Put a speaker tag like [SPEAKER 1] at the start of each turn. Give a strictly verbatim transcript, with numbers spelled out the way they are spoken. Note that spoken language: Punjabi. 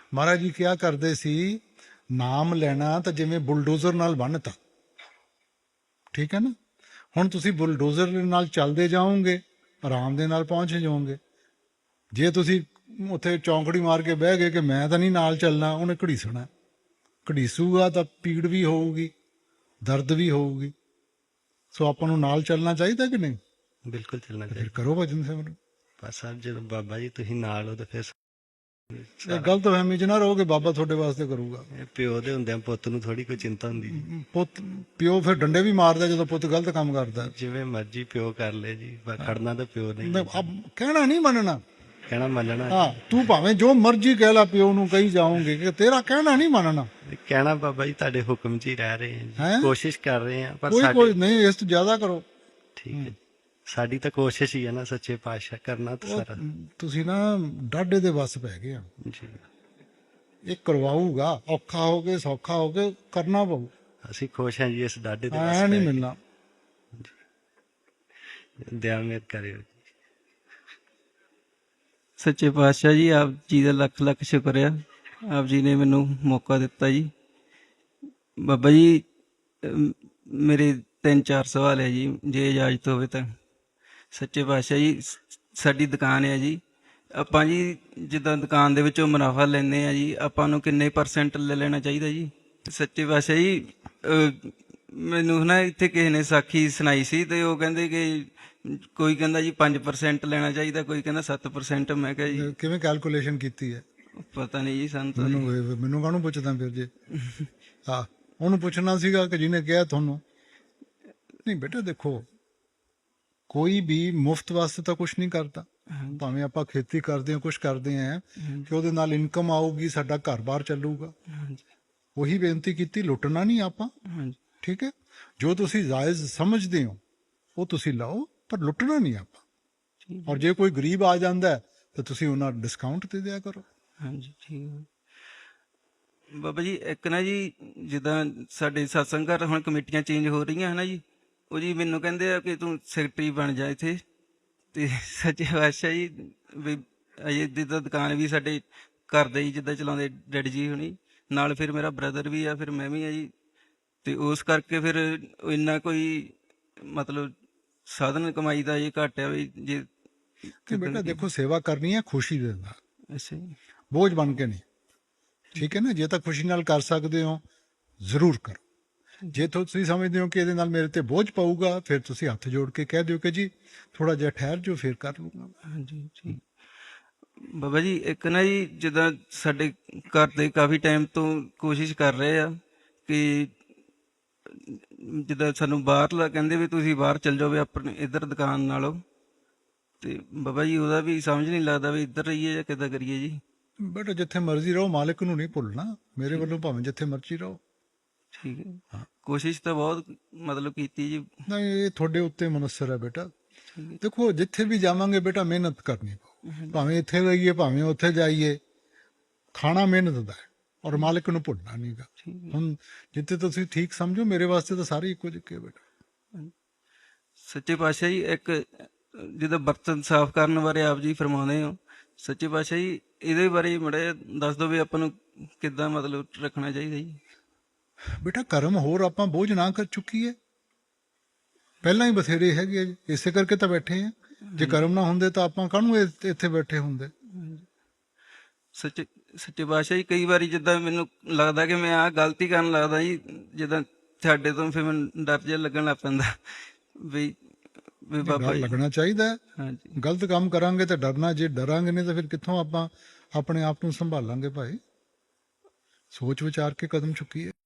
[SPEAKER 1] ਮਹਾਰਾਜ ਜੀ ਕਿਹਾ ਕਰਦੇ ਸੀ, ਨਾਮ ਲੈਣਾ ਤਾਂ ਜਿਵੇਂ ਬੁਲਡੋਜ਼ਰ ਨਾਲ ਬੰਨ੍ਹਤਾ, ਠੀਕ ਹੈ ਨਾ। ਹੁਣ ਤੁਸੀਂ ਬੁਲਡੋਜ਼ਰ ਦੇ ਨਾਲ ਚੱਲਦੇ ਜਾਓਗੇ, ਆਰਾਮ ਦੇ ਨਾਲ ਪਹੁੰਚ ਜਾਓਗੇ। ਜੇ ਤੁਸੀਂ ਉੱਥੇ ਚੌਂਕੜੀ ਮਾਰ ਕੇ ਬਹਿ ਗਏ ਕਿ ਮੈਂ ਤਾਂ ਨਹੀਂ ਨਾਲ ਚੱਲਣਾ, ਉਹਨੇ ਘੜੀਸਣਾ, ਘੜੀਸੂਗਾ ਤਾਂ ਪੀੜ ਵੀ ਹੋਊਗੀ, ਦਰਦ ਵੀ ਹੋਊਗੀ। ਸੋ ਆਪਾਂ ਨੂੰ ਨਾਲ ਚੱਲਣਾ ਚਾਹੀਦਾ ਕਿ ਨਹੀਂ?
[SPEAKER 2] ਬਿਲਕੁਲ ਚੱਲਣਾ
[SPEAKER 1] ਫਿਰ
[SPEAKER 2] ਚਾਹੀਦਾ।
[SPEAKER 1] ਕਰੋ ਭਜਨ ਸਿਮਰਨ।
[SPEAKER 2] ਬਸ ਸਾਹਿਬ ਜਦੋਂ ਬਾਬਾ ਜੀ ਤੁਸੀਂ ਨਾਲ ਹੋ ਤਾਂ ਫਿਰ
[SPEAKER 1] ਇਹ ਗਲਤ ਫਹਿਮੀ 'ਚ ਨਾ ਰਹੋ ਕਿ ਬਾਬਾ ਤੁਹਾਡੇ ਵਾਸਤੇ ਕਰੂਗਾ।
[SPEAKER 2] ਇਹ ਪਿਓ ਦੇ ਹੁੰਦਿਆਂ ਪੁੱਤ ਨੂੰ ਥੋੜੀ ਕੋਈ ਚਿੰਤਾ ਹੁੰਦੀ ਜੀ।
[SPEAKER 1] ਪੁੱਤ ਪਿਓ ਫਿਰ ਡੰਡੇ ਵੀ ਮਾਰਦਾ ਜਦੋਂ ਪੁੱਤ ਗਲਤ ਕੰਮ ਕਰਦਾ।
[SPEAKER 2] ਜਿਵੇਂ ਮਰਜੀ ਪਿਓ ਕਰ ਲੈ ਜੀ, ਪਰ ਖੜਨਾ ਤਾਂ ਪਿਓ ਨਹੀਂ।
[SPEAKER 1] ਮੈਂ ਅਬ ਕਹਿਣਾ ਨਹੀਂ ਮੰਨਣਾ,
[SPEAKER 2] ਕਹਿਣਾ ਮੰਨਣਾ।
[SPEAKER 1] ਹਾਂ ਤੂੰ ਭਾਵੇਂ ਜੋ ਮਰਜ਼ੀ ਕਹਿ ਲਾ, ਪਿਓ ਨੂੰ ਕਹੀ ਜਾਓਗੇ ਕਿ ਤੇਰਾ ਕਹਿਣਾ ਨਹੀਂ ਮੰਨਣਾ।
[SPEAKER 2] ਕਹਿਣਾ ਬਾਬਾ ਜੀ ਤੁਹਾਡੇ ਹੁਕਮ 'ਚ ਹੀ ਰਹਿ ਰਹੇ ਹਾਂ
[SPEAKER 1] ਹੈਂ?
[SPEAKER 2] ਜੀ, ਕੋਸ਼ਿਸ਼ ਕਰ ਰਹੇ ਹਾਂ ਪਰ
[SPEAKER 1] ਕੋਈ
[SPEAKER 2] ਸਾਡੇ
[SPEAKER 1] ਕੋਈ ਨਹੀਂ, ਇਸ ਤੋਂ ਜ਼ਿਆਦਾ ਕਰੋ।
[SPEAKER 2] ਠੀਕ ਹੈ, ਸਾਡੀ ਤਾਂ ਕੋਸ਼ਿਸ਼ ਹੀ ਹੈ ਨਾ ਸੱਚੇ ਪਾਤਸ਼ਾਹ ਕਰਨਾ ਤਾਂ
[SPEAKER 1] ਉਹ
[SPEAKER 2] ਸਾਰਾ
[SPEAKER 1] ਤੁਸੀਂ ਨਾ ਡਾਢੇ ਦੇ ਵੱਸ ਪੈ ਗਏ ਆ।
[SPEAKER 2] ਜੀ।
[SPEAKER 1] ਇਹ ਕਰਵਾਊਗਾ, ਔਖਾ ਹੋ ਕੇ ਸੌਖਾ ਹੋ ਕੇ ਕਰਨਾ ਪਊ,
[SPEAKER 2] ਅਸੀਂ ਖੁਸ਼ ਹਾਂ ਜੀ ਇਸ ਡਾਢੇ ਦੇ
[SPEAKER 1] ਐ
[SPEAKER 2] ਬਸ
[SPEAKER 1] ਨਹੀਂ ਮਿਲਣਾ।
[SPEAKER 2] ਦਿਆ ਮੇਰ ਕਰਿਓ।
[SPEAKER 3] ਸੱਚੇ ਪਾਤਸ਼ਾਹ ਜੀ, ਆਪ ਜੀ ਦਾ ਲੱਖ ਲੱਖ ਸ਼ੁਕਰ ਆ, ਆਪ ਜੀ ਨੇ ਮੈਨੂੰ ਮੌਕਾ ਦਿੱਤਾ ਜੀ। ਬਾਬਾ ਜੀ ਅਮ, ਮੇਰੇ ਤਿੰਨ ਚਾਰ ਸਵਾਲ ਹੈ ਜੀ, ਜੇ ਇਜਾਜ਼ਤ ਹੋਵੇ ਤਾਂ। ਸੱਚੇ ਪਾਤਸ਼ਾਹ ਜੀ, ਸ- ਸਾਡੀ ਦੁਕਾਨ ਹੈ ਜੀ, ਆਪਾਂ ਜੀ ਜਿੱਦਾਂ ਦੁਕਾਨ ਦੇ ਵਿੱਚੋਂ ਮੁਨਾਫਾ ਲੈਂਦੇ ਆ ਜੀ, ਆਪਾਂ ਨੂੰ ਕਿੰਨੇ ਪਰਸੈਂਟ ਲੈ ਲੈਣਾ ਚਾਹੀਦਾ ਜੀ? ਸੱਚੇ ਪਾਤਸ਼ਾਹ ਜੀ, ਅਹ, ਮੈਨੂੰ ਨਾ ਇੱਥੇ ਕਿਸੇ ਨੇ ਸਾਖੀ ਸੁਣਾਈ ਸੀ, ਤੇ ਉਹ ਕਹਿੰਦੇ ਕਿ ਕੋਈ ਕਹਿੰਦਾ ਜੀ ਪੰਜ ਪਰਸੈਂਟ ਲੈਣਾ ਚਾਹੀਦਾ, ਕੋਈ ਕਹਿੰਦਾ ਸੱਤ ਪਰਸੈਂਟ। ਮੈਂ ਕਿਹਾ ਜੀ
[SPEAKER 1] ਕਿਵੇਂ ਕੈਲਕੂਲੇਸ਼ਨ ਕੀਤੀ ਹੈ?
[SPEAKER 3] ਪਤਾ ਨਹੀਂ ਜੀ ਸਾਨੂੰ ਤਾਂ ਜੀ।
[SPEAKER 1] ਮੈਨੂੰ ਇਹ- ਮੈਨੂੰ ਕਾਹਨੂੰ ਪੁੱਛਦਾ ਫਿਰ ਜੇ? ਹਾਂ, ਉਹਨੂੰ ਪੁੱਛਣਾ ਸੀਗਾ ਕਿ ਜਿਹਨੇ ਕਿਹਾ ਤੁਹਾਨੂੰ। ਨਹੀਂ ਬੇਟਾ ਦੇਖੋ, ਕੋਈ ਵੀ ਮੁਫਤ ਵਾਸਤੇ ਤਾਂ ਕੁਝ ਨਹੀਂ ਕਰਦਾ। ਭਾਵੇਂ ਆਪਾਂ ਖੇਤੀ ਕਰਦੇ ਹਾਂ, ਕੁਝ ਕਰਦੇ ਹਾਂ ਕਿ ਉਹਦੇ ਨਾਲ ਇਨਕਮ ਆਊਗੀ, ਸਾਡਾ ਘਰ-ਬਾਰ ਚੱਲੂਗਾ।
[SPEAKER 3] ਹਾਂਜੀ
[SPEAKER 1] ਉਹੀ ਬੇਨਤੀ ਕੀਤੀ, ਲੁੱਟਣਾ ਨਹੀਂ ਆਪਾਂ,
[SPEAKER 3] ਹਾਂਜੀ
[SPEAKER 1] ਠੀਕ ਹੈ। ਜੋ ਤੁਸੀਂ ਜਾਇਜ਼ ਸਮਝਦੇ ਹੋ ਉਹ ਤੁਸੀਂ ਲਓ, ਪਰ ਲੁੱਟਣਾ ਨਹੀਂ ਆਪਾਂ।
[SPEAKER 3] ਠੀਕ
[SPEAKER 1] ਔਰ ਜੇ ਕੋਈ ਗਰੀਬ ਆ ਜਾਂਦਾ ਹੈ ਤਾਂ ਤੁਸੀਂ ਉਹਨਾਂ ਡਿਸਕਾਊਂਟ ਦੇ ਦਿਆ ਕਰੋ।
[SPEAKER 3] ਹਾਂਜੀ ਠੀਕ ਹੈ ਬਾਬਾ ਜੀ। ਇੱਕ ਨਾ ਜੀ, ਜਿੱਦਾਂ ਸਾਡੇ ਸਤਸੰਗ ਘਰ ਹੁਣ ਕਮੇਟੀਆਂ ਚੇਂਜ ਹੋ ਰਹੀਆਂ ਹੈ ਨਾ ਜੀ, ਉਹ ਜੀ ਮੈਨੂੰ ਕਹਿੰਦੇ ਆ ਕਿ ਤੂੰ ਸੈਕਟਰੀ ਬਣ ਜਾ ਇੱਥੇ। ਤੇ ਸੱਚੇ ਪਾਤਸ਼ਾਹ ਜੀ, ਵੀ ਅਜੇ ਜਿੱਦਾਂ ਦੁਕਾਨ ਵੀ ਸਾਡੇ ਘਰ ਦੇ ਹੀ ਜਿੱਦਾਂ ਚਲਾਉਂਦੇ ਡੈਡੀ ਜੀ ਹੁਣੀ, ਨਾਲ ਫਿਰ ਮੇਰਾ ਬ੍ਰਦਰ ਵੀ ਆ, ਫਿਰ ਮੈਂ ਵੀ ਆ ਜੀ। ਤੇ ਉਸ ਕਰਕੇ ਫਿਰ ਇੰਨਾ ਕੋਈ ਮਤਲਬ ਸਾਧਨ ਕਮਾਈ ਦਾ ਇਹ ਘੱਟ ਆ ਵੀ ਜੇ।
[SPEAKER 1] ਕਿ ਬੇਟਾ ਦੇਖੋ, ਸੇਵਾ ਕਰਨੀ ਹੈ ਖੁਸ਼ੀ ਦੇ ਨਾਲ,
[SPEAKER 3] ਅੱਛਾ ਜੀ।
[SPEAKER 1] ਬੋਝ ਬਣ ਕੇ ਨਹੀਂ, ਠੀਕ ਹੈ ਨਾ। ਜੇ ਤਾਂ ਖੁਸ਼ੀ ਨਾਲ ਕਰ ਸਕਦੇ ਹੋ ਜ਼ਰੂਰ ਕਰੋ। ਜੇ ਤੁਸੀਂ ਸਮਝਦੇ ਹੋ ਕਿ ਇਹਦੇ ਨਾਲ ਮੇਰੇ ਤੇ ਬੋਝ ਪਊਗਾ, ਫਿਰ ਤੁਸੀਂ ਹੱਥ ਜੋੜ ਕੇ ਕਹਿ ਦਿਓ ਕਿ ਜੀ ਥੋੜਾ ਜਿਹਾ ਠਹਿਰ ਜੋ, ਫਿਰ ਕਰ ਲੂੰਗਾ।
[SPEAKER 3] ਹਾਂਜੀ ਠੀਕ ਬਾਬਾ ਜੀ। ਇੱਕ ਨਾ ਜੀ, ਜਿੱਦਾਂ ਸਾਡੇ ਘਰ ਦੇ ਕਾਫੀ ਟਾਈਮ ਤੋਂ ਕੋਸ਼ਿਸ਼ ਕਰ ਰਹੇ ਆ ਕਿ ਜਿੱਦਾਂ ਸਾਨੂੰ ਬਾਹਰਲਾ ਕਹਿੰਦੇ ਵੀ ਤੁਸੀਂ ਬਾਹਰ ਚੱਲ ਜਾਓ ਵੀ ਆਪਣੇ ਇੱਧਰ ਦੁਕਾਨ ਨਾਲੋਂ, ਤੇ ਬਾਬਾ ਜੀ ਉਹਦਾ ਵੀ ਸਮਝ ਨਹੀਂ ਲੱਗਦਾ ਵੀ ਇੱਧਰ ਰਹੀਏ ਜਾਂ ਕਿੱਦਾਂ ਕਰੀਏ ਜੀ।
[SPEAKER 1] ਬੇਟਾ ਜਿੱਥੇ ਮਰਜ਼ੀ ਰਹੋ, ਮਾਲਕ ਨੂੰ ਨਹੀਂ ਭੁੱਲਣਾ। ਮੇਰੇ ਵੱਲੋਂ ਭਾਵੇਂ ਜਿੱਥੇ ਮਰਜ਼ੀ ਰਹੋ।
[SPEAKER 3] ਠੀਕ ਹੈ, ਕੋਸ਼ਿਸ਼ ਤਾਂ ਬਹੁਤ ਮਤਲਬ ਕੀਤੀ ਜੀ।
[SPEAKER 1] ਨਹੀਂ, ਇਹ ਤੁਹਾਡੇ ਉੱਤੇ ਮਨਸਰ ਹੈ ਬੇਟਾ। ਦੇਖੋ, ਜਿੱਥੇ ਵੀ ਜਾਵਾਂਗੇ ਬੇਟਾ ਮਿਹਨਤ ਕਰਨੀ ਪਊ। ਭਾਵੇਂ ਇੱਥੇ ਰਹੀਏ ਭਾਵੇਂ ਉੱਥੇ ਜਾਈਏ, ਖਾਣਾ ਮਿਹਨਤ ਦਾ ਹੈ ਔਰ ਮਾਲਕ ਨੂੰ ਭੁੱਲਣਾ ਨਹੀਂਗਾ। ਹੁਣ ਜਿੱਥੇ ਤੁਸੀਂ ਠੀਕ ਸਮਝੋ, ਮੇਰੇ ਵਾਸਤੇ ਤਾਂ ਸਾਰੇ ਇੱਕੋ ਜਿਹੇ ਬੇਟਾ।
[SPEAKER 3] ਸੱਚੇ ਪਾਤਸ਼ਾਹ ਜੀ, ਇੱਕ ਜਿੱਦਾਂ ਬਰਤਨ ਸਾਫ਼ ਕਰਨ ਬਾਰੇ ਆਪ ਜੀ ਫਰਮਾਉਂਦੇ ਹੋ, ਸੱਚੇ ਪਾਤਸ਼ਾਹ ਜੀ ਇਹਦੇ ਬਾਰੇ ਮਾੜਾ ਜਿਹਾ ਦੱਸ ਦਿਓ ਵੀ ਆਪਾਂ ਨੂੰ ਕਿੱਦਾਂ ਮਤਲਬ ਰੱਖਣਾ ਚਾਹੀਦਾ ਜੀ।
[SPEAKER 1] ਬੇਟਾ ਕਰਮ ਹੋਰ ਆਪਾਂ ਬੋਝ ਨਾ ਕਰ ਚੁੱਕੀਏ, ਪਹਿਲਾਂ ਹੀ ਬਥੇਰੇ ਹੈਗੇ ਆ ਜੀ, ਇਸੇ ਕਰਕੇ ਤਾਂ ਬੈਠੇ ਆ। ਜੇ ਕਰਮ ਨਾ ਹੁੰਦੇ ਤਾਂ ਆਪਾਂ ਕਾਹਨੂੰ ਇ- ਇੱਥੇ ਬੈਠੇ ਹੁੰਦੇ।
[SPEAKER 3] ਸੱਚੇ ਸੱਚੇ ਪਾਤਸ਼ਾਹ ਜੀ, ਕਈ ਵਾਰੀ ਜਿੱਦਾਂ ਮੈਨੂੰ ਲੱਗਦਾ ਕਿ ਮੈਂ ਆਹ ਗਲਤੀ ਕਰਨ ਲੱਗਦਾ ਜੀ, ਜਿੱਦਾਂ ਤੁਹਾਡੇ ਤੋਂ ਫਿਰ ਮੈਨੂੰ ਡਰ ਜਿਹਾ ਲੱਗਣ ਲੱਗ ਪੈਂਦਾ ਵੀ ਵੀ ਬਾਬਾ
[SPEAKER 1] ਡਰ
[SPEAKER 3] ਜੀ।
[SPEAKER 1] ਲੱਗਣਾ ਚਾਹੀਦਾ ਹੈ।
[SPEAKER 3] ਹਾਂਜੀ
[SPEAKER 1] ਗਲਤ ਕੰਮ ਕਰਾਂਗੇ ਤਾਂ ਡਰਨਾ, ਜੇ ਡਰਾਂਗੇ ਨਹੀਂ ਤਾਂ ਫਿਰ ਕਿੱਥੋਂ ਆਪਾਂ ਆਪਣੇ ਆਪ ਨੂੰ ਸੰਭਾਲਾਂਗੇ ਭਾਈ। ਸੋਚ ਵਿਚਾਰ ਕੇ ਕਦਮ ਚੁੱਕੀਏ।